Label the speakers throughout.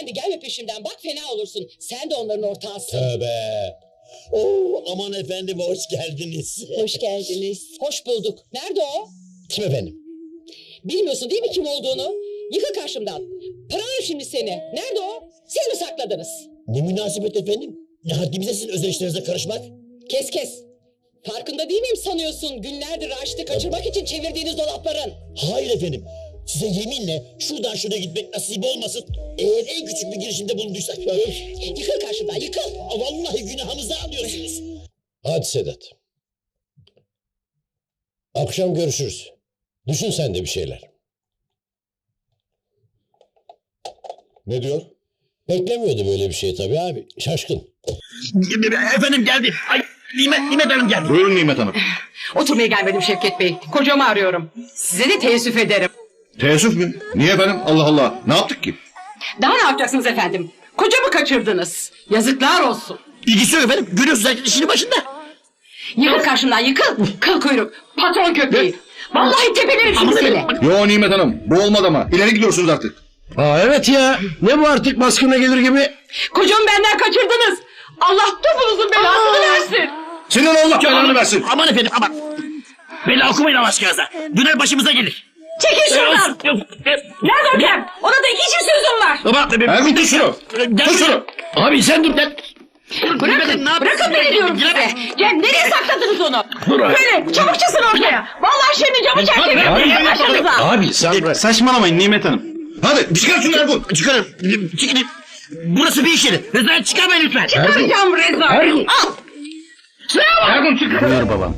Speaker 1: Efendi gelme peşimden, bak fena olursun. Sen de onların ortağısın.
Speaker 2: Tövbe. Oo, aman efendim hoş geldiniz.
Speaker 1: Hoş geldiniz. Hoş bulduk. Nerede o?
Speaker 2: Kim efendim?
Speaker 1: Bilmiyorsun değil mi kim olduğunu? Yıkıl karşımdan. Paralım şimdi seni. Nerede o? Siz mi sakladınız?
Speaker 2: Ne münasebet efendim? Ne haddimize sizin özel işlerinize karışmak?
Speaker 1: Kes kes. Farkında değil miyim sanıyorsun? Günlerdir Raşit'i kaçırmak için çevirdiğiniz dolapların.
Speaker 2: Hayır efendim. Size yeminle şuradan şuraya gitmek nasip olmasın. Eğer en küçük bir girişimde bulunduysak...
Speaker 1: Yıkıl karşımdan, yıkıl.
Speaker 2: Vallahi günahımızı alıyorsunuz.
Speaker 3: Hadi Sedat. Akşam görüşürüz. Düşün sen de bir şeyler.
Speaker 4: Ne diyor?
Speaker 3: Beklemiyordu böyle bir şey tabii abi. Şaşkın.
Speaker 2: Efendim geldi. Ay Nimet Hanım geldi.
Speaker 4: Buyurun Nimet Hanım.
Speaker 5: Oturmaya gelmedim Şevket Bey. Kocamı arıyorum. Size de teessüf ederim.
Speaker 4: Teessüf mü? Niye efendim? Allah Allah. Ne yaptık ki?
Speaker 5: Daha ne yapacaksınız efendim? Kocamı kaçırdınız. Yazıklar olsun.
Speaker 2: İlgisi yok efendim. Görüyorsunuz herkes işinin başında.
Speaker 5: Yıkıl karşımdan yıkıl. Kıl kuyruk. Patron köpeği. Vallahi tepelerim şimdi seni.
Speaker 4: Yo Nimet Hanım. Bu olmadı ama. İleri gidiyorsunuz artık.
Speaker 3: Aa evet ya. Ne bu artık baskına gelir gibi.
Speaker 5: Kocamı benden kaçırdınız. Allah topunuzun belasını versin.
Speaker 4: Senin Allah belanı versin.
Speaker 2: Aman efendim aman. Bela okumayın Allah aşkınıza. Döner başımıza gelir.
Speaker 5: Çekil şuradan. Nerede o Kem? Ona da iki çift sözüm var.
Speaker 2: Baba.
Speaker 4: Ergun tut şunu. Tut şunu.
Speaker 2: Abi sen dur lan.
Speaker 5: Bırakın beni diyorum size. Cem nereye sakladınız onu? Böyle çabuk çıksın ortaya. Vallahi şimdi camı çerçeveletmeye başınıza.
Speaker 3: Abi sen
Speaker 4: Saçmalamayın Nimet Hanım. Hadi çıkar şunu Ergun.
Speaker 2: Çıkarın. Çıkın. Burası bir iş yeri. Rezalet çıkarmayın lütfen.
Speaker 5: Çıkaracağım Reza. Al.
Speaker 4: Ergun çık.
Speaker 6: Buyur babam.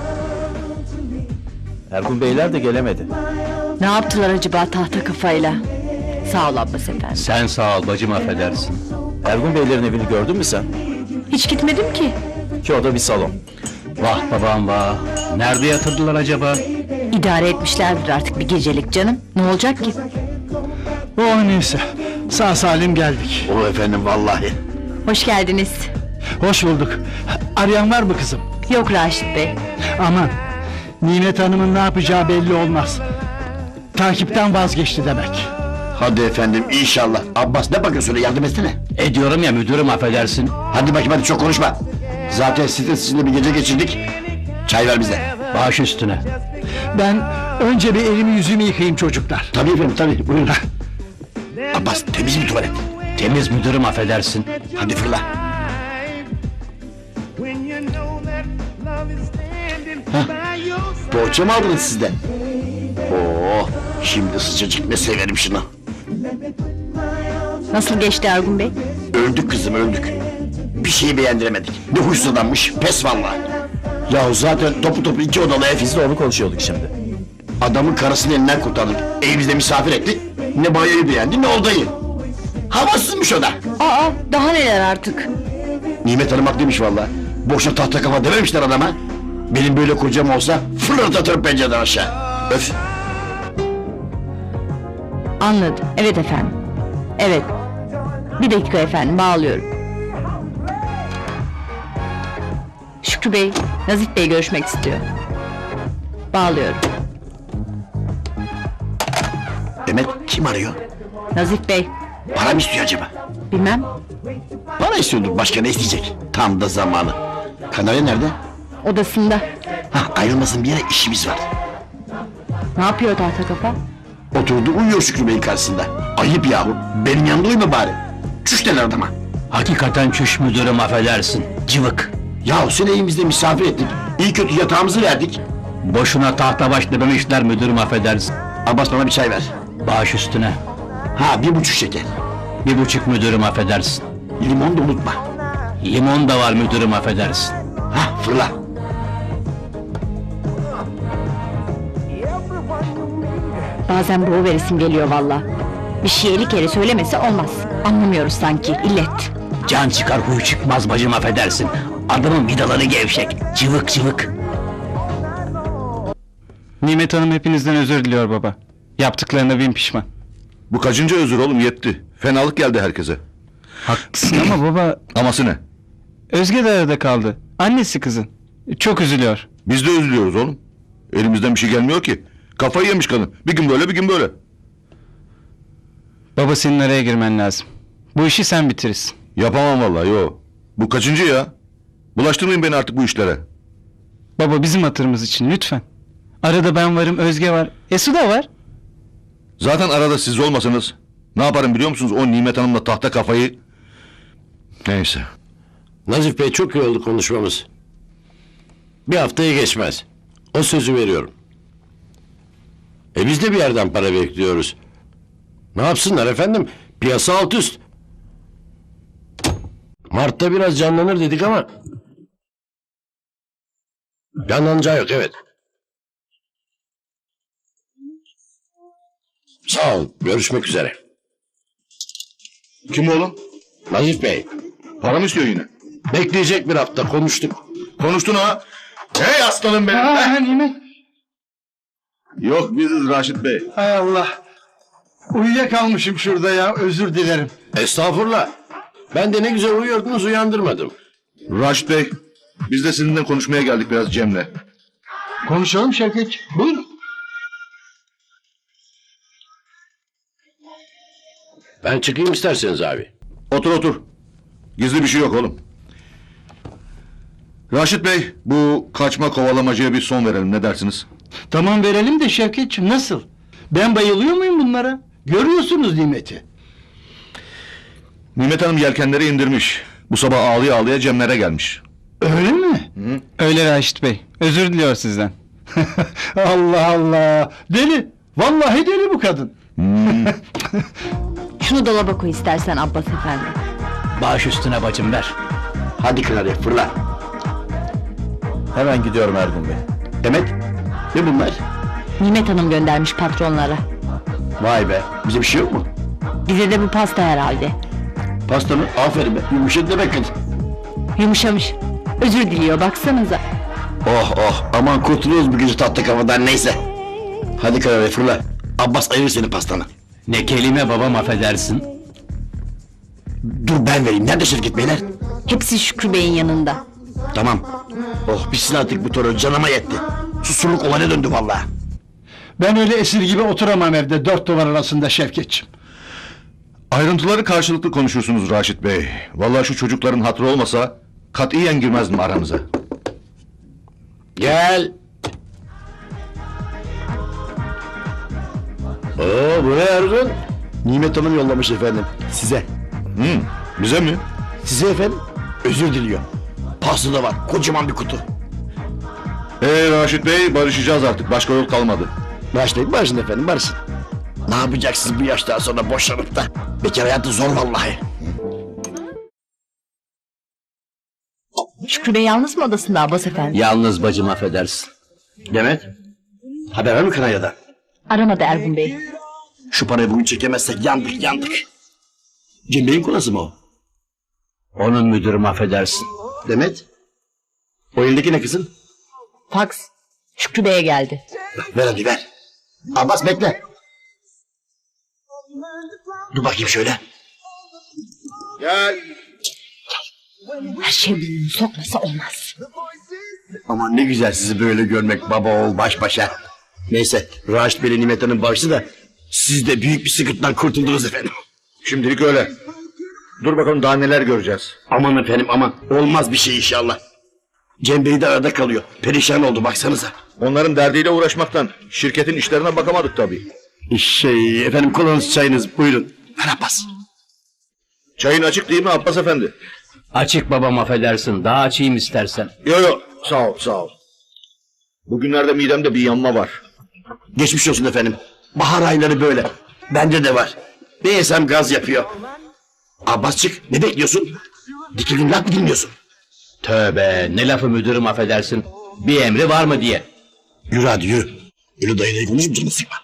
Speaker 6: Ergun Beyler de gelemedi.
Speaker 7: Ne yaptılar acaba tahta kafayla? Sağ ol Abbas efendi.
Speaker 6: Sen sağ ol bacım, affedersin. Ergun Beylerin evini gördün mü sen?
Speaker 7: Hiç gitmedim ki.
Speaker 6: Ki o da bir salon. Vah babam vah. Nerede yatırdılar acaba?
Speaker 7: İdare etmişlerdir artık bir gecelik canım. Ne olacak ki?
Speaker 8: Oh neyse. Sağ salim geldik.
Speaker 2: O efendim vallahi.
Speaker 7: Hoş geldiniz.
Speaker 8: Hoş bulduk. Arayan var mı kızım?
Speaker 7: Yok Raşit Bey.
Speaker 8: Aman. Nimet Hanım'ın ne yapacağı belli olmaz. Takipten vazgeçti demek.
Speaker 2: Hadi efendim inşallah. Abbas ne bakıyorsun öyle yardım etsene.
Speaker 6: Ediyorum ya müdürüm, affedersin.
Speaker 2: Hadi bakayım hadi çok konuşma. Zaten sizinle bir gece geçirdik. Çay ver bize.
Speaker 6: Baş üstüne.
Speaker 8: Ben önce bir elimi yüzümü yıkayayım çocuklar.
Speaker 2: Tabii efendim tabii buyurun. Abbas temiz mi tuvalet?
Speaker 6: Temiz müdürüm, affedersin.
Speaker 2: Hadi fırla. Poğaça mı aldınız sizden? Oo, şimdi sıcacık ne severim şunu.
Speaker 7: Nasıl geçti Ergun Bey?
Speaker 2: Öldük kızım öldük. Bir şeyi beğendiremedik. Ne huysuz adammış pes vallahi. Ya zaten topu iki odalı ev.
Speaker 6: Biz de onu konuşuyorduk şimdi.
Speaker 2: Adamın karısını elinden kurtardık. Evimizde misafir ettik. Ne banyoyu beğendi ne odayı. Havasızmış o da.
Speaker 7: Aa daha neler artık.
Speaker 2: Nimet Hanım haklıymış vallahi. Boşa tahta kafa dememişler adama. Benim böyle kocam olsa fırlatırım pencereden aşağı. Öf.
Speaker 7: Anladım. Evet efendim. Evet. Bir dakika efendim bağlıyorum. Şükrü Bey, Nazif Bey görüşmek istiyor. Bağlıyorum.
Speaker 2: Demet kim arıyor?
Speaker 7: Nazif Bey,
Speaker 2: Para mı istiyor acaba?
Speaker 7: bilmem.
Speaker 2: Para istiyordur başka ne isteyecek? Tam da zamanı. Kanarya nerede?
Speaker 7: Odasında.
Speaker 2: Ayrılmasın bir yere işimiz var.
Speaker 7: Ne yapıyor tahta kafa?
Speaker 2: Oturdu uyuyor Şükrü Bey'in karşısında. Ayıp yahu. Benim yanımda uyuma bari. Çüş derler adama.
Speaker 6: Hakikaten çüş müdürüm, affedersin. Cıvık.
Speaker 2: Yahu seni evimizde misafir ettik. İyi kötü yatağımızı verdik.
Speaker 6: Boşuna tahta baş dememişler müdürüm, affedersin.
Speaker 2: Abbas bana bir çay ver.
Speaker 6: Baş üstüne.
Speaker 2: 1,5 şeker.
Speaker 6: 1,5 müdürüm, affedersin.
Speaker 2: Limon da unutma.
Speaker 6: Limon da var müdürüm, affedersin.
Speaker 2: Fırla.
Speaker 7: Bazen bu veresim geliyor valla. Bir şey 50 kere söylemesi olmaz. Anlamıyoruz sanki, illet.
Speaker 6: Can çıkar huy çıkmaz bacım, affedersin. Adamın vidaları gevşek. Cıvık cıvık.
Speaker 8: Nimet Hanım hepinizden özür diliyor baba. Yaptıklarına bin pişman.
Speaker 4: Bu kaçıncı özür oğlum yetti. Fenalık geldi herkese.
Speaker 8: Haklısın ama baba...
Speaker 4: Aması ne?
Speaker 8: Özge de arada kaldı. Annesi kızın. Çok üzülüyor.
Speaker 4: Biz de üzülüyoruz oğlum. Elimizden bir şey gelmiyor ki. Kafayı yemiş kadın. Bir gün böyle bir gün böyle.
Speaker 8: Baba senin araya girmen lazım. Bu işi sen bitirirsin.
Speaker 4: Yapamam vallahi yo. Bu kaçıncı ya? Bulaştırmayın beni artık bu işlere.
Speaker 8: Baba bizim hatırımız için lütfen. Arada ben varım, Özge var. Su da var.
Speaker 4: Zaten arada siz olmasanız ne yaparım biliyor musunuz? O Nimet Hanım'la tahta kafayı... Neyse.
Speaker 3: Nazif Bey çok iyi oldu konuşmamız. Bir haftaya geçmez. O sözü veriyorum. Biz de bir yerden para bekliyoruz. Ne yapsınlar efendim? Piyasa alt üst. Mart'ta biraz canlanır dedik ama... Canlanacağı yok, evet. Sağ ol, görüşmek üzere.
Speaker 4: Kim oğlum?
Speaker 3: Nazif Bey,
Speaker 4: Para mı istiyor yine?
Speaker 3: bekleyecek bir hafta, konuştuk.
Speaker 4: Konuştun ha? Hey aslanım benim.
Speaker 8: Aa, Nimet.
Speaker 4: Yok biziz Raşit Bey.
Speaker 8: Hay Allah. Uyuyakalmışım şurada ya, özür dilerim.
Speaker 3: Estağfurullah. Ben de ne güzel uyuyordunuz, uyandırmadım.
Speaker 4: Raşit Bey, biz de sizinle konuşmaya geldik biraz Cem'le.
Speaker 8: Konuşalım Şevket. Buyurun.
Speaker 3: Ben çıkayım isterseniz abi.
Speaker 4: Otur otur. Gizli bir şey yok oğlum. Raşit Bey, bu kaçma kovalamacaya bir son verelim, ne dersiniz?
Speaker 8: Tamam verelim de Şevketciğim, nasıl? Ben bayılıyor muyum bunlara? Görüyorsunuz Nimet'i.
Speaker 4: Nimet Hanım yelkenleri indirmiş. Bu sabah ağlıya ağlıya Cemlere gelmiş.
Speaker 8: Öyle mi? Öyle Raşit Bey. Özür diliyor sizden. Allah Allah. Deli. Vallahi deli bu kadın.
Speaker 7: Şunu dolaba koy istersen Abbas efendi.
Speaker 6: Baş üstüne bacım ver.
Speaker 2: Hadi Kınarya fırla.
Speaker 4: Hemen gidiyorum Ergun Bey.
Speaker 2: Demet ne bunlar?
Speaker 7: Nimet Hanım göndermiş patronlara.
Speaker 2: Vay be bize bir şey yok mu?
Speaker 7: Bize de bu pasta herhalde.
Speaker 2: Pasta mı? Aferin be yumuşadı demek ki.
Speaker 7: Yumuşamış. Özür diliyor baksanıza.
Speaker 2: Oh oh aman kurtuluyoruz bu gece tatlı kafadan neyse. Hadi Kınarya fırla. Abbas ayırır senin pastanı.
Speaker 6: Ne kelime babam affedersin.
Speaker 2: Dur ben vereyim. Nerede Şevket Beyler?
Speaker 7: Hepsi Şükrü Bey'in yanında.
Speaker 2: Tamam. Oh bitsin artık bu terör canıma yetti. Susurluk olana döndü vallahi.
Speaker 8: Ben öyle esir gibi oturamam evde dört duvar arasında Şevketciğim.
Speaker 4: Ayrıntıları karşılıklı konuşursunuz Raşit Bey. Vallahi şu çocukların hatırı olmasa katiyen girmezdim aranıza.
Speaker 3: Gel. Oo bu ne Ergun?
Speaker 2: Nimet Hanım yollamış efendim. Size.
Speaker 4: Bize mi?
Speaker 2: Size efendim. Özür diliyor. Pasta da var. Kocaman bir kutu.
Speaker 4: Raşit Bey barışacağız artık. Başka yol kalmadı.
Speaker 2: Başlayın barışın efendim barışın. Ne yapacaksınız bu yaştan sonra boşanıp da? Bekar hayatı zor vallahi.
Speaker 7: Şükrü Bey yalnız mı odasında Abbas efendi?
Speaker 6: Yalnız bacım affedersin.
Speaker 2: Demet. Haber var mı Kınarya'dan?
Speaker 7: Aramadı Ergun Bey.
Speaker 2: Şu parayı bugün çekemezsek yandık yandık. Cem Bey'in kolası mı o?
Speaker 6: Onun müdürüm affedersin.
Speaker 2: Demet. O elindeki ne kızım?
Speaker 7: Faks. Şükrü Bey'e geldi.
Speaker 2: Ver hadi ver. Abbas bekle. Dur bakayım şöyle.
Speaker 4: Gel.
Speaker 7: Her şey burnunu sokmasa olmaz.
Speaker 2: Aman ne güzel sizi böyle görmek baba oğul baş başa. Neyse Raşit Bey'le Nimet Hanım barıştı da siz de büyük bir sıkıntıdan kurtuldunuz efendim.
Speaker 4: Şimdilik öyle. Dur bakalım daha neler göreceğiz.
Speaker 2: Aman efendim aman olmaz bir şey inşallah. Cem Bey de arada kalıyor. Perişan oldu baksanıza.
Speaker 4: Onların derdiyle uğraşmaktan şirketin işlerine bakamadık tabii.
Speaker 2: Efendim kolanız çayınız buyurun. Ver Abbas.
Speaker 4: Çayın açık değil mi Abbas Efendi?
Speaker 6: Açık babam affedersin. Daha açayım istersen.
Speaker 4: Yok sağ ol sağ ol. Bugünlerde midemde bir yanma var.
Speaker 2: Geçmiş olsun efendim. Bahar ayları böyle. Bende de var. Ne yesem gaz yapıyor. Abbasçık ne bekliyorsun? Dikildim laf mı dinliyorsun?
Speaker 6: Tövbe ne lafı müdürüm affedersin. Bir emri var mı diye.
Speaker 2: Yürü hadi yürü. Ölü dayılayı konuşup canını sıkma.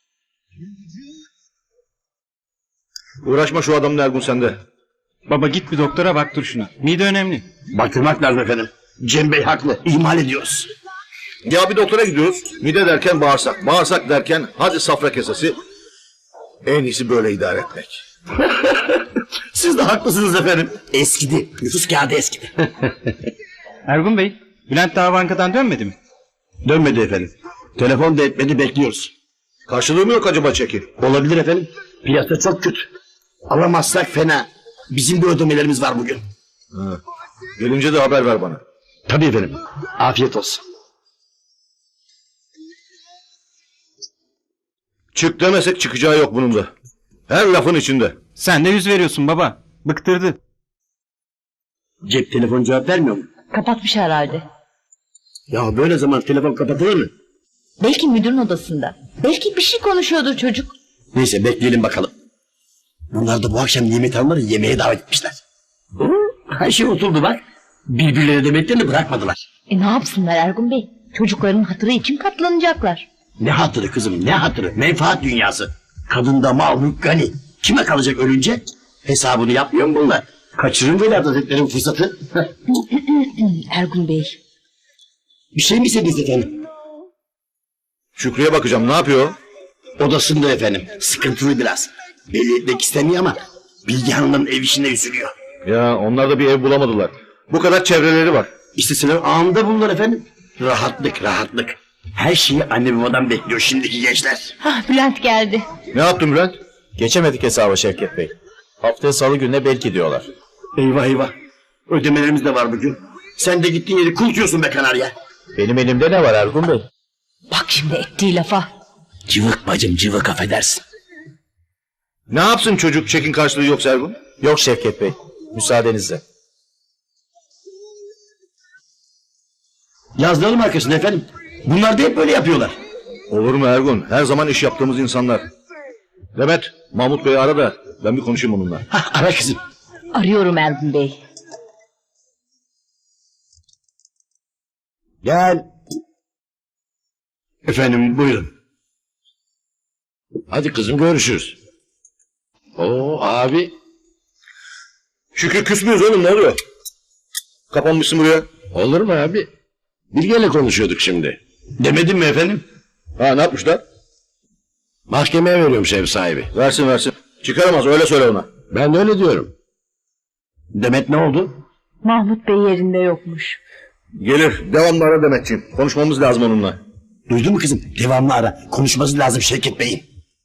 Speaker 4: Uğraşma şu adamla Ergun sende.
Speaker 8: Baba git bir doktora baktır şuna. Mide önemli.
Speaker 2: Baktırmak lazım efendim. Cem Bey haklı. İhmal ediyoruz.
Speaker 4: Ya bir doktora gidiyoruz. Mide derken bağırsak. Bağırsak derken hadi safra kesesi. En iyisi böyle idare etmek.
Speaker 2: Siz de haklısınız efendim. Eskidi. Nüfus kağıdı eskidi.
Speaker 8: Ergun Bey, Bülent daha bankadan dönmedi mi?
Speaker 2: Dönmedi efendim. Telefon da etmedi bekliyoruz.
Speaker 4: Karşılığı mı yok acaba çeki?
Speaker 2: Olabilir efendim. Piyasa çok kötü. Alamazsak fena. Bizim de ödemelerimiz var bugün.
Speaker 4: Gelince de haber ver bana.
Speaker 2: Tabii efendim. Afiyet olsun.
Speaker 4: Çık demesek çıkacağı yok bunun da. Her lafın içinde.
Speaker 8: Sen de 100 veriyorsun baba. Bıktırdı.
Speaker 2: Cep telefon cevap vermiyor mu?
Speaker 7: Kapatmış herhalde.
Speaker 2: Ya böyle zaman telefon kapatılır mı?
Speaker 7: Belki müdürün odasında. Belki bir şey konuşuyordur çocuk.
Speaker 2: Neyse bekleyelim bakalım. Bunlar da bu akşam Nimet Hanım'ları yemeğe davet etmişler. Her şey oturdu bak. Birbirlerine demeklerini bırakmadılar.
Speaker 7: Ne yapsınlar Ergun Bey? Çocukların hatırı için katlanacaklar.
Speaker 2: Ne hatırı kızım ne hatırı? Menfaat dünyası. Kadında mal mülk gani. Kime kalacak ölünce? Hesabını yapmıyor mu bunlar? Kaçırın Vedat Hazretleri'nin fırsatı.
Speaker 7: Ergun Bey.
Speaker 2: Bir şey mi istediniz efendim?
Speaker 4: Şükrü'ye bakacağım, ne yapıyor?
Speaker 2: Odasında efendim. Sıkıntılı biraz. Belli etmek istemiyor ama Bilge Hanım'ın ev işine üzülüyor.
Speaker 4: Ya onlar da bir ev bulamadılar. Bu kadar çevreleri var.
Speaker 2: İsteseler anında bulurlar efendim. Rahatlık rahatlık. Her şeyi anne babadan bekliyor şimdiki gençler.
Speaker 7: Bülent geldi.
Speaker 4: Ne yaptın Bülent?
Speaker 9: Geçemedik hesaba Şevket Bey. Haftaya salı gününe belki diyorlar.
Speaker 2: Eyvah eyvah. Ödemelerimiz de var bugün. Sen de gittiğin yeri kultuyorsun be kanarya.
Speaker 9: Benim elimde ne var Ergun Bey?
Speaker 7: Bak şimdi ettiği lafa.
Speaker 2: Cıvık bacım cıvık affedersin.
Speaker 4: Ne yapsın çocuk, çekin karşılığı yok Ergun?
Speaker 9: Yok Şevket Bey. Müsaadenizle.
Speaker 2: Yazdıralım arkasına efendim. Bunlar da hep böyle yapıyorlar.
Speaker 4: Olur mu Ergun? Her zaman iş yaptığımız insanlar. Demet, Mahmut Bey'i ara da ben bir konuşayım onunla.
Speaker 2: Ara kızım.
Speaker 7: Arıyorum Ergun Bey.
Speaker 2: Gel. Efendim buyurun.
Speaker 3: Hadi kızım görüşürüz. Oo abi.
Speaker 4: Şükrü küs müyüz oğlum, ne oluyor? Kapanmışsın buraya.
Speaker 3: Olur mu abi? Bilge'yle konuşuyorduk şimdi.
Speaker 2: Demedim mi efendim?
Speaker 4: Ha, ne yapmışlar?
Speaker 3: Mahkemeye veriyormuş ev sahibi.
Speaker 4: Versin versin. Çıkaramaz, öyle söyle ona.
Speaker 3: Ben de öyle diyorum.
Speaker 2: Demet ne oldu?
Speaker 7: Mahmut Bey yerinde yokmuş.
Speaker 4: Gelir, devamlı ara Demetciğim. Konuşmamız lazım onunla.
Speaker 2: Duydun mu kızım? Devamlı ara. Konuşması lazım Şevket Bey'in.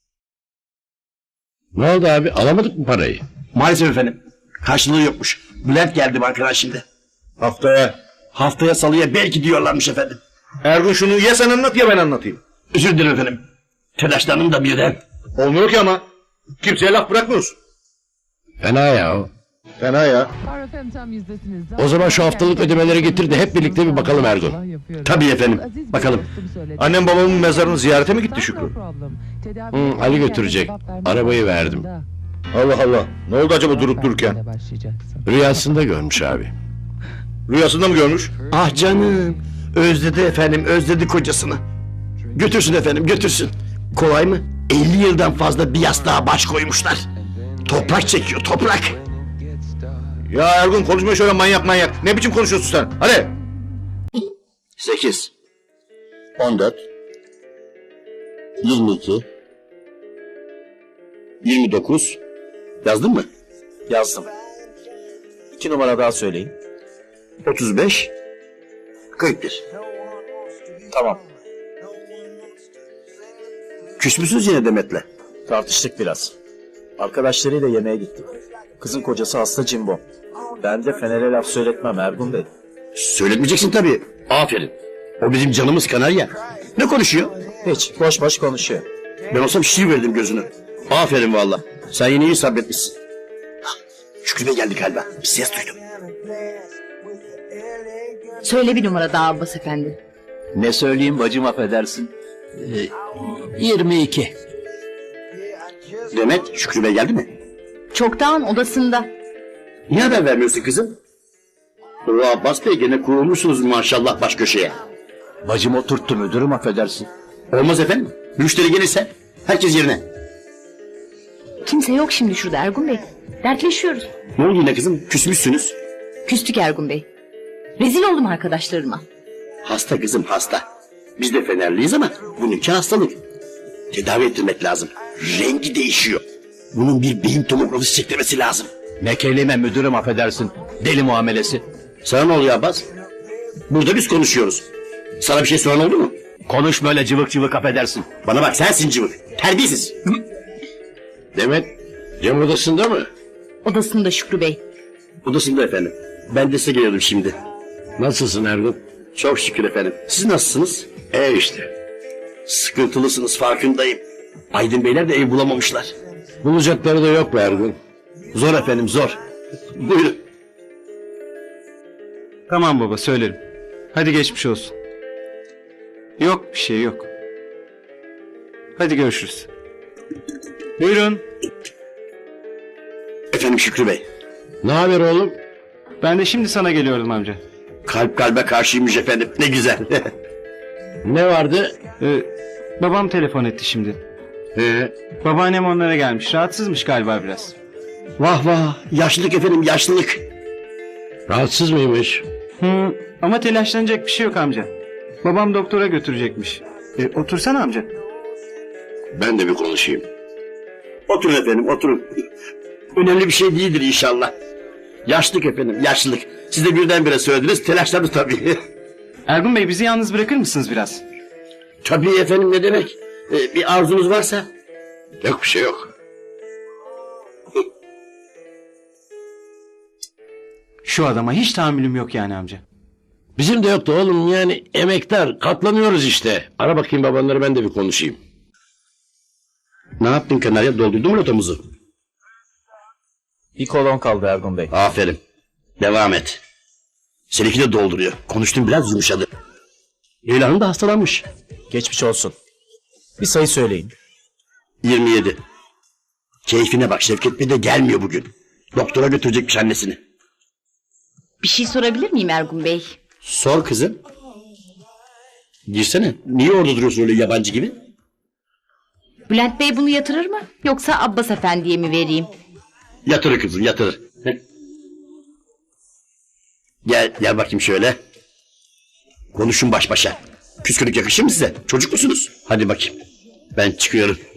Speaker 3: Ne oldu abi? Alamadık mı parayı?
Speaker 2: Maalesef efendim. Karşılığı yokmuş. Bülent geldi bankadan şimdi.
Speaker 4: Haftaya.
Speaker 2: Haftaya salıya belki diyorlarmış efendim.
Speaker 4: Ergun şunu ya sen anlat ya ben anlatayım.
Speaker 2: Özür dilerim efendim. Telaşlandım da birden.
Speaker 4: Olmuyor ki ama. Kimseye laf bırakmıyoruz.
Speaker 3: Fena ya o.
Speaker 4: Fena ya.
Speaker 3: O zaman şu haftalık ödemeleri getir de hep birlikte bir bakalım Ergun.
Speaker 2: Tabii efendim. Bakalım.
Speaker 4: Annem babamın mezarını ziyarete mi gitti Şükrü?
Speaker 3: Ali götürecek. Arabayı verdim.
Speaker 4: Allah Allah. Ne oldu acaba durup dururken?
Speaker 3: Rüyasında görmüş abi.
Speaker 4: Rüyasında mı görmüş?
Speaker 2: Ah canım. Özledi efendim. Özledi kocasını. Götürsün efendim götürsün. Kolay mı? 50 yıldan fazla bir yastığa baş koymuşlar. Toprak çekiyor toprak.
Speaker 4: Ya Ergun konuşma şöyle manyak manyak. Ne biçim konuşuyorsun sen? Hadi.
Speaker 2: 8 14 22 29 Yazdın mı?
Speaker 9: Yazdım. 2 numara daha söyleyin.
Speaker 2: 35 41
Speaker 9: Tamam.
Speaker 2: Küs müsünüz yine Demet'le?
Speaker 9: Tartıştık biraz. Arkadaşlarıyla yemeğe gittik. Kızın kocası hasta Cimbom. Ben de Fener'e laf söyletmem Ergun Bey.
Speaker 2: Söyletmeyeceksin tabii. Aferin. O bizim canımız kanarya. Ne konuşuyor?
Speaker 9: Hiç boş boş konuşuyor.
Speaker 2: Ben olsam şişir verdim gözünü. Aferin valla. Sen yine iyi sabretmişsin. Hah, Şükrü Bey geldi galiba. Bir ses duydum.
Speaker 7: Söyle bir numara daha Abbas efendi.
Speaker 6: Ne söyleyeyim bacım affedersin. 22.
Speaker 2: Demet, Şükrü Bey geldi mi?
Speaker 7: Çoktan odasında.
Speaker 2: Niye haber vermiyorsun kızım? O Abbas Bey gene kurulmuşsunuz maşallah baş köşeye.
Speaker 6: Bacım oturttu müdürüm affedersin.
Speaker 2: Olmaz efendim. Müşteri gelirse herkes yerine.
Speaker 7: Kimse yok şimdi şurada Ergun Bey. Dertleşiyoruz.
Speaker 2: Ne oldu yine kızım? Küsmüşsünüz.
Speaker 7: Küstük Ergun Bey. Rezil oldum arkadaşlarıma.
Speaker 2: Hasta kızım hasta. Biz de Fenerliyiz ama bununki hastalık. Tedavi ettirmek lazım. Rengi değişiyor. Bunun bir beyin tomografisi çektirmesi lazım.
Speaker 6: Ne kelime müdürüm affedersin. Deli muamelesi.
Speaker 2: Sana ne oluyor Abbas? Burada biz konuşuyoruz. Sana bir şey soran oldu mu?
Speaker 6: Konuşma öyle cıvık cıvık affedersin.
Speaker 2: Bana bak sensin cıvık. Terbiyesiz.
Speaker 3: Demet Cem odasında mı?
Speaker 7: Odasında Şükrü Bey.
Speaker 2: Odasında efendim. Ben de size geliyordum şimdi.
Speaker 3: Nasılsın Ergun?
Speaker 2: Çok şükür efendim. Siz nasılsınız?
Speaker 3: İşte.
Speaker 2: Sıkıntılısınız farkındayım. Aydın Beyler de ev bulamamışlar.
Speaker 3: Bulacakları da yok be Ergun.
Speaker 2: Zor efendim zor. Buyurun.
Speaker 8: Tamam baba söylerim. Hadi geçmiş olsun. Yok bir şey yok. Hadi görüşürüz. Buyurun.
Speaker 2: Efendim Şükrü Bey.
Speaker 3: Ne haber oğlum?
Speaker 8: Ben de şimdi sana geliyordum amca.
Speaker 2: Kalp kalbe karşıymış efendim. Ne güzel.
Speaker 3: Ne vardı?
Speaker 8: Babam telefon etti şimdi. Babaannem onlara gelmiş. Rahatsızmış galiba biraz.
Speaker 2: Vah vah. Yaşlılık efendim yaşlılık.
Speaker 3: Rahatsız mıymış?
Speaker 8: Ama telaşlanacak bir şey yok amca. Babam doktora götürecekmiş. Otursana amca.
Speaker 3: Ben de bir konuşayım.
Speaker 2: Oturun efendim oturun. Önemli bir şey değildir inşallah. Yaşlılık efendim yaşlılık. Siz de birdenbire söylediniz telaşlandı tabii.
Speaker 8: Ergun Bey bizi yalnız bırakır mısınız biraz?
Speaker 2: Tabii efendim ne demek. Bir arzunuz varsa.
Speaker 3: Yok bir şey yok.
Speaker 8: Şu adama hiç tahammülüm yok yani amca.
Speaker 3: Bizim de yoktu oğlum, yani emektar, katlanıyoruz işte. Ara bakayım babanları, ben de bir konuşayım.
Speaker 2: Ne yaptın Kanarya, doldurdun mu lotomuzu?
Speaker 9: Bir kolon kaldı Ergun Bey.
Speaker 2: Aferin. Devam et. Seninki de dolduruyor. Konuştum biraz yumuşadı. Leyla Hanım da hastalanmış.
Speaker 9: Geçmiş olsun. Bir sayı söyleyin.
Speaker 2: 27. Keyfine bak, Şevket Bey de gelmiyor bugün. Doktora götürecekmiş annesini.
Speaker 7: Bir şey sorabilir miyim Ergun Bey?
Speaker 2: Sor kızım. Girsene. Niye orada duruyorsun öyle yabancı gibi?
Speaker 7: Bülent Bey bunu yatırır mı? Yoksa Abbas Efendi'ye mi vereyim?
Speaker 2: Yatırır kızım yatırır. Gel bakayım şöyle. Konuşun baş başa. Küskünlük yakışır mı size? Çocuk musunuz? Hadi bakayım. Ben çıkıyorum.